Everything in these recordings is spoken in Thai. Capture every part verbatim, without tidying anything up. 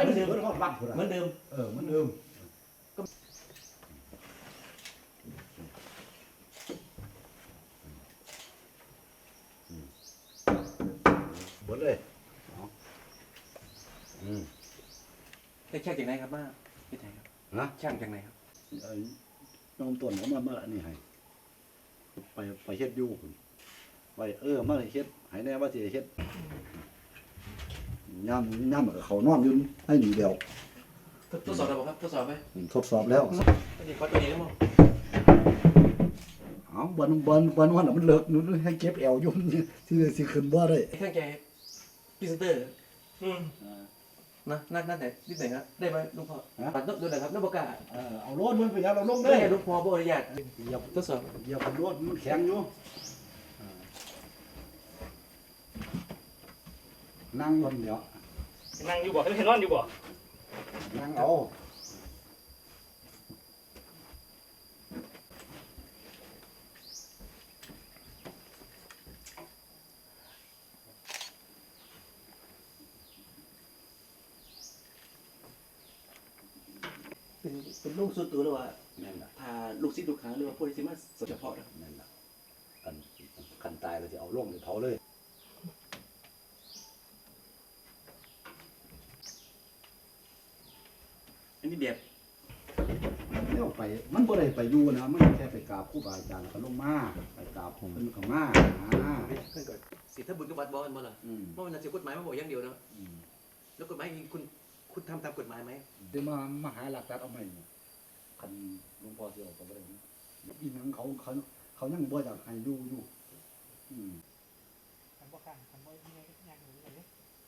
มือนเดิมเพิ่นฮอดวัดพุ่นเหมือนเดิมเออเหมือนเดิมหมดเลยอืมได้ช่างจากไหนครับมาพี่ไทยครับฮะช่างจากไหนครับไอ้น้องต้นเอามามาอันนี้ให้ไปไปเฮ็ดอยู่พุ่นไปเออมาเฮ็ดให้แน่ว่าสิเฮ็ดย่ำย่ำกับเขานอนอยู่ให้หนีเดียวทดสอบแล้วครับทดสอบไหมทดสอบแล้วนี่ขอตัวนี้แล้วมั้งเอาบนบนบนวันน่ะมันเลิกนู่นให้เก็บแอวอยู่ที่สิขึ้นบ่ได้ไอ้ข้างแกพรีเซนเตอร์อืมนะนัดนัดไหนนิดไหนครับได้ไหมลุงพ่อปัดนกดูหน่อยครับนกปากกาเออเอาโลดมันไปยังเราลงได้ได้ลุงพ่อบอกอนุญาตเหยียบทดสอบเหยียบโลดมันแข็งอยู่นั่งบนเดี๋ยวนั่งอยู่บ่เห็นนอนอยู่บ่นั่งเอาเป็นเป็นลูกส่วนตัวหรือว่านั่นแหละพาลูกศิษย์ลูกหาหรือว่าผู้ที่สิมาสเฉพาะนะนั่นแหละกันกันตายเราจะเอาลงไปเผาเลยอันนี้แบบเลี้ยวไปมันบ่ได้ไปอยู่นะมันแค่ไปกราบครูบาอาจารย์แล้วก็ลงมาไปกราบเพิ่นก็มาอ่าเพื่อนก่อนสิทธบุญกับวัดบอกกันบ่ล่ะอืมเพราะมันจะกฎหมายมาบอกอย่างเดียวนะอืมแล้วกฎหมายจริงคุณคุณทำตามกฎหมายไหมเดี๋ยวมามาหาหลักฐานเอาใหม่เนี่ยคันหลวงพ่อสิเอาก็บ่ได้นะอีหนังเขาเขาเขายังบ่อยากให้อยู่อยู่อืมคันบ่คันคันบ่มีอะไรยังอยู่เลย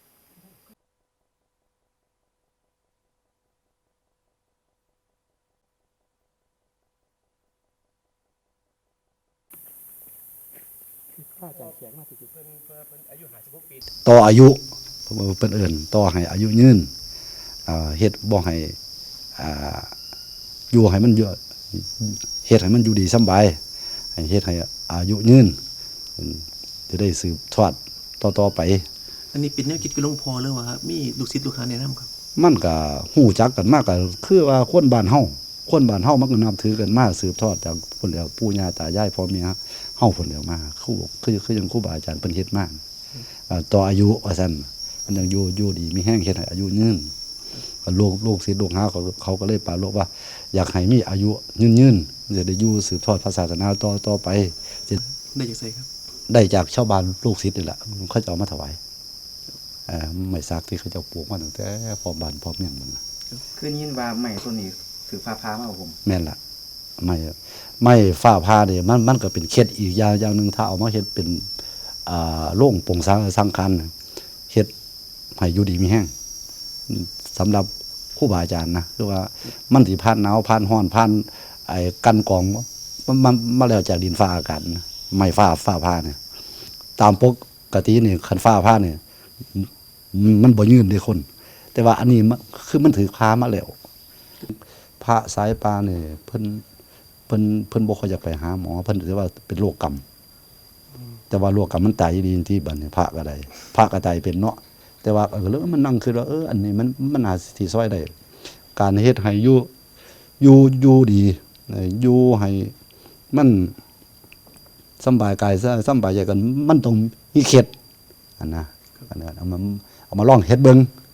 ข้าจะเขียนมาติดๆเพิ่นเพิ่นอายุห้าสิบหกปีต่ออายุเพิ่นเอิ้นต่อให้อายุยืนอ่าเฮ็ดบ่ให้อ่าอยู่ให้มันเยอะเฮ็ดให้มันอยู่ดีสำบายให้เฮ็ดให้อายุยืนอืมจะได้สืบทอดต่อๆไปอันนี้เป็นแนวคิดกับหลวงพ่อหรือว่ามีลูกศิษย์ลูกหาแนะนำครับมันก็ฮู้จักกันมากก็คือว่าคนบ้านเฮาคนบ้านเฮามันก็นับถือกันมาสืบทอดจากพุ่นแล้วปู่ย่าตายายพ่อแม่เฮาพุ่นแล้วมาครูคือคือจังครูบาอาจารย์เพิ่นเฮ็ดมาอ่าต่ออายุว่าซั่นมันยังอยู่อยู่ดีมีแห้งเฮ็ดให้อายุยืนก็ลูกลูกศิษย์ลูกหาเขาเขาก็เลยปรารภว่า อยากให้มีอายุยืนๆจะได้อยู่สืบทอดศาสนาต่อต่อไปได้จากไสครับได้จากชาวบ้านลูกศิษย์นี่แหละเขาจะเอามาถวายเอ่อไม้สักที่เขาจะปลูกมาตั้งแต่พร้อมบ้านพร้อมเมืองมันน่ะคือยินว่าใหม่ตัวนี้ถือฟ้าพามาเอาผมแม่นละไม่ไม่ฝ้าผ้าเนี่ยมันมันก็เป็นเคล็ดอีกอย่างอย่างหนึ่งถ้าเอามาเฮ็ดเป็นอ่าโล่งโปร่งสังสังคันเฮ็ดให้อยู่ดีมีแห้งสำหรับครูบาอาจารย์นะคือว่ามันสิผ่านหนาวผ่านร้อนผ่านไอ้กันกรองมันมันมาแล้วจากดินฟ้าอากาศนะไม่ฟ้าฝ้าผ้าเนี่ยตามปกตินี่คันฟ้าผ้าเนี่ยมันบ่ยืนเด้คน แต่ว่าอันนี้มันคือมันถือผ้ามาแล้ว พระสายปลาเนี่ยเพิ่นเพิ่นเพิ่นบ่ค่อยอยากไปหาหมอเพิ่นถือว่าเป็นโรคกรรมแต่ว่าโรคกรรมมันตายดีที่บัดนี้พระก็ได้พระก็ตายเป็นเนาะแต่ว่าเออแล้วมันนั่งคือว่าเอออันนี้มันมันน่าสิซอยได้การเฮ็ดให้อยู่อยู่อยู่ดีอยู่ให้มันสำบายกายสำบายใจกันมันต้องมีเคล็ดอันนะอันนั้นเอามาเอามาลองเฮ็ดเบิ่ง